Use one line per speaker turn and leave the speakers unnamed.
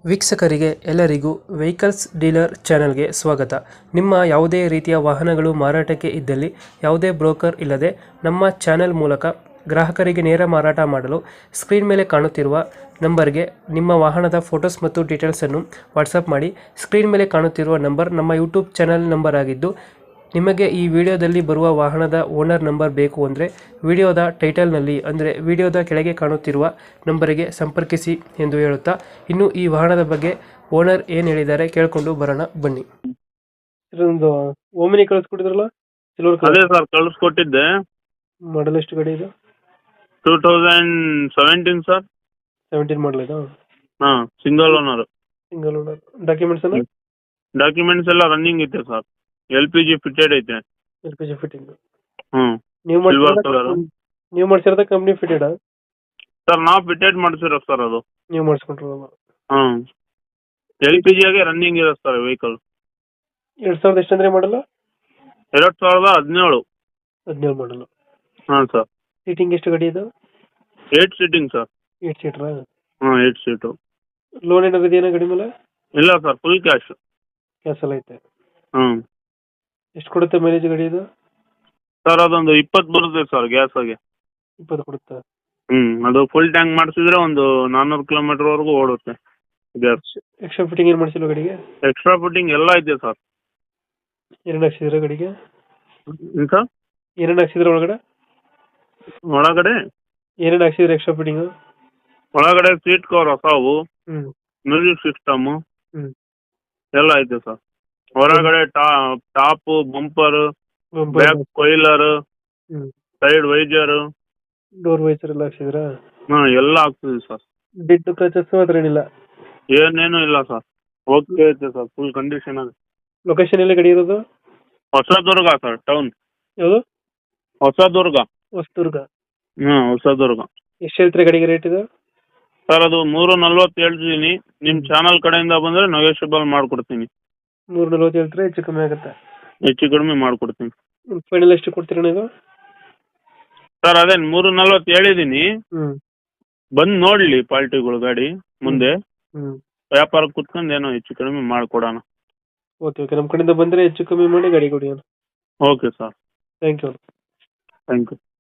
ವೀಕ್ಷಕರಿಗೆ ಎಲ್ಲರಿಗೂ vehicles dealer ಚಾನೆಲ್ಗೆ ಸ್ವಾಗತ. ನಿಮ್ಮ ಯಾವುದೇ ರೀತಿಯ ವಾಹನಗಳು ಮಾರಾಟಕ್ಕೆ ಇದ್ದಲ್ಲಿ ಯಾವುದೇ ಬ್ರೋಕರ್ ಇಲ್ಲದೆ ನಮ್ಮ ಚಾನೆಲ್ ಮೂಲಕ ಗ್ರಾಹಕರಿಗೆ ನೇರ ಮಾರಾಟ ಮಾಡಲು ಸ್ಕ್ರೀನ್ ಮೇಲೆ ಕಾಣುತ್ತಿರುವ ನಂಬರ್ಗೆ ನಿಮ್ಮ ವಾಹನದ ಫೋಟೋಸ್ ಮತ್ತು ಡೀಟೇಲ್ಸನ್ನು ವಾಟ್ಸಪ್ ಮಾಡಿ. ಸ್ಕ್ರೀನ್ ಮೇಲೆ ಕಾಣುತ್ತಿರುವ ನಂಬರ್ ನಮ್ಮ ಯೂಟ್ಯೂಬ್ ಚಾನೆಲ್ ನಂಬರ್ ಆಗಿದ್ದು, ನಿಮಗೆ ಈ ವಿಡಿಯೋದಲ್ಲಿ ಬರುವ ವಾಹನದ ಓನರ್ ನಂಬರ್ ಬೇಕು ಅಂದರೆ ವಿಡಿಯೋದ ಟೈಟಲ್ನಲ್ಲಿ ಅಂದರೆ ವಿಡಿಯೋದ ಕೆಳಗೆ ಕಾಣುತ್ತಿರುವ ನಂಬರಿಗೆ ಸಂಪರ್ಕಿಸಿ ಎಂದು ಹೇಳುತ್ತಾ, ಇನ್ನು ಈ ವಾಹನದ ಬಗ್ಗೆ ಓನರ್ ಏನು ಹೇಳಿದ್ದಾರೆ ಕೇಳಿಕೊಂಡು ಬರೋಣ ಬನ್ನಿ. ಇದೊಂದು ಓಮಿನಿ ಕಳಿಸ್ಕೊಟ್ಟಿದ್ರಲ್ಲ, ಸಿಲ್ವರ್
ಅದೇ
ಕಲರ್,
ಸರ್ ಕಳಿಸ್ಕೊಟ್ಟಿದ್ದೆ.
ಮಾಡಲ್ ಎಷ್ಟು ಗಾಡಿ ಇದು?
2017 ಸರ್.
17 ಮಾಡಲ್ ಇದು.
ಹಾಂ, single owner.
Single owner. Documents ಎಲ್ಲ
ಡಾಕ್ಯುಮೆಂಟ್ಸ್ ಎಲ್ಲ ರನ್ನಿಂಗ್ ಐತೆ ಸರ್. LPG ಫಿಟೆಡ್ ಐತೆ.
LPG ಫಿಟ್ಟಿಂಗ್
ಹ್ಞೂ,
ನೀವು
ಸಿಲ್ವರ್ ಕಲರ್.
ನೀವು ಮಾಡಿಸಿರೋದ ಕಂಪ್ನಿ ಫಿಟೆಡ್?
ಸರ್ ನಾವು ಫಿಟೆಡ್ ಮಾಡಿಸಿರೋ ಸರ್ ಅದು.
ನೀವು ಮಾಡಿಸ್ಕೊಂಡ್ರಲ್ಲ?
ಹಾಂ, LPG ಆಗಿ ರನ್ನಿಂಗ್ ಇದೆ ಸರ್ ವೆಹಿಕಲ್.
2000 ಎಷ್ಟಂದ್ರೆ ಮಾಡಲ್ಲ?
2017.
17 ಮಾಡಲ್ಲ.
ಹಾಂ ಸರ್.
ಸೀಟಿಂಗ್ ಎಷ್ಟು ಗಾಡಿ ಇದು?
8 ಸೀಟಿಂಗ್ ಸರ್.
8 ಸೀಟ್ರಾ?
ಹಾಂ, 8 ಸೀಟು.
ಲೋನ್ ಏನಾದ್ರು ಇದೆಯಾ ಗಾಡಿ ಮೇಲೆ?
ಇಲ್ಲ ಸರ್, ಫುಲ್ ಕ್ಯಾಶ್.
ಕ್ಯಾಶ್ ಎಲ್ಲ ಐತೆ.
ಹ್ಞೂ
ಎಷ್ಟು ಕೊಡುತ್ತೆ ಮೈಲೇಜ್ ಗಾಡಿ ಇದು?
ಸರ್, ಅದೊಂದು 20 ಬರುತ್ತೆ ಸರ್ ಗ್ಯಾಸಾಗೆ.
20 ಕೊಡುತ್ತಾ?
ಅದು ಫುಲ್ ಟ್ಯಾಂಕ್ ಮಾಡಿಸಿದ್ರೆ ಒಂದು 400 ಕಿಲೋಮೀಟರ್ವರೆಗೂ ಓಡುತ್ತೆ ಗ್ಯಾಸ್.
ಎಕ್ಸ್ಟ್ರಾ ಫಿಟ್ಟಿಂಗ್ ಏನು ಮಾಡಿಸಿಲ್ಲ ಗಾಡಿಗೆ?
ಎಕ್ಸ್ಟ್ರಾ ಫಿಟ್ಟಿಂಗ್ ಎಲ್ಲ ಇದೆ ಸರ್.
ಏನೇನು ಹಾಕ್ಸಿದ್ರೆ ಗಾಡಿಗೆ?
ಸರ್,
ಏನೇನು ಹಾಕ್ಸಿದ್ರೆ ಒಳಗಡೆ?
ಒಳಗಡೆ
ಹಾಕ್ಸಿದ್ರೆ ಎಕ್ಸ್ಟ್ರಾ ಫಿಟ್ಟಿಂಗ್?
ಒಳಗಡೆ ಸೀಟ್ ಕವರ್ ಹೊಸವು,
ಹ್ಞೂ
ಮ್ಯೂಸಿಕ್ ಸಿಸ್ಟಮು
ಹ್ಞೂ
ಎಲ್ಲ ಐತೆ ಸರ್. ಹೊರಗಡೆ ಟಾಪು, ಬಂಪರ್, ಬ್ಯಾಕ್ ಕೊಯ್ಲರ್,
ಹ್ಞೂ
ಸೈಡ್ ವೈಜರ್,
ಡೋರ್ ವೈಸರ್ ಎಲ್ಲ ಹಾಕ್ಸಿದ್ರಾ?
ಎಲ್ಲ ಆಗ್ತದೆ ಸರ್.
ಡಿಟ್ಟು ಕ್ರಚಸ್ ಹತ್ರ ಏನಿಲ್ಲ?
ಏನೇನು ಇಲ್ಲ ಸರ್, ಓಕೆ ಐತೆ ಸರ್, ಫುಲ್ ಕಂಡೀಷನ್ ಇದೆ.
ಲೊಕೇಶನ್ ಎಲ್ಲಿ ಗಾಡಿ ಇರೋದು?
Hosadurga sir, town.
ಯಾವುದು?
ಹೊಸದುರ್ಗ.
ಹೊಸದುರ್ಗ.
ಹೊಸದುರ್ಗ.
ಎಷ್ಟು ಹೇಳ್ತೀರಾ ಗಾಡಿಗೆ ರೇಟ್ ಇದು?
ಸರ್, ಅದು 340 ಹೇಳ್ತಿದ್ದೀನಿ. ನಿಮ್ಮ ಚಾನಲ್ ಕಡೆಯಿಂದ ಬಂದರೆ ನೆಗೋಷಿಯಬಲ್ ಮಾಡಿಕೊಡ್ತೀನಿ.
340 ಹೇಳ್ತೀರಾ? ಹೆಚ್ಚು ಕಮ್ಮಿ ಆಗುತ್ತೆ?
ಹೆಚ್ಚು ಕಡಿಮೆ ಮಾಡಿಕೊಡ್ತೀನಿ.
ಫೈನಲ್ ಎಷ್ಟು ಕೊಡ್ತೀರಾ ಇದು?
ಸರ್, ಅದೇ 340 ಹೇಳಿದ್ದೀನಿ.
ಹ್ಞೂ
ಬಂದು ನೋಡಲಿ ಪಾರ್ಟಿಗಳು ಗಾಡಿ ಮುಂದೆ.
ಹ್ಞೂ
ವ್ಯಾಪಾರಕ್ಕೆ ಕುತ್ಕೊಂಡು ಏನೋ ಹೆಚ್ಚು ಕಡಿಮೆ ಮಾಡಿಕೊಡೋಣ.
ಓಕೆ ಓಕೆ, ನಮ್ಮ ಕಡೆಯಿಂದ ಬಂದರೆ ಹೆಚ್ಚು ಕಮ್ಮಿ ಮಾಡಿ ಗಾಡಿ ಕೊಡಿ.
Okay sir,
thank you.
Thank you.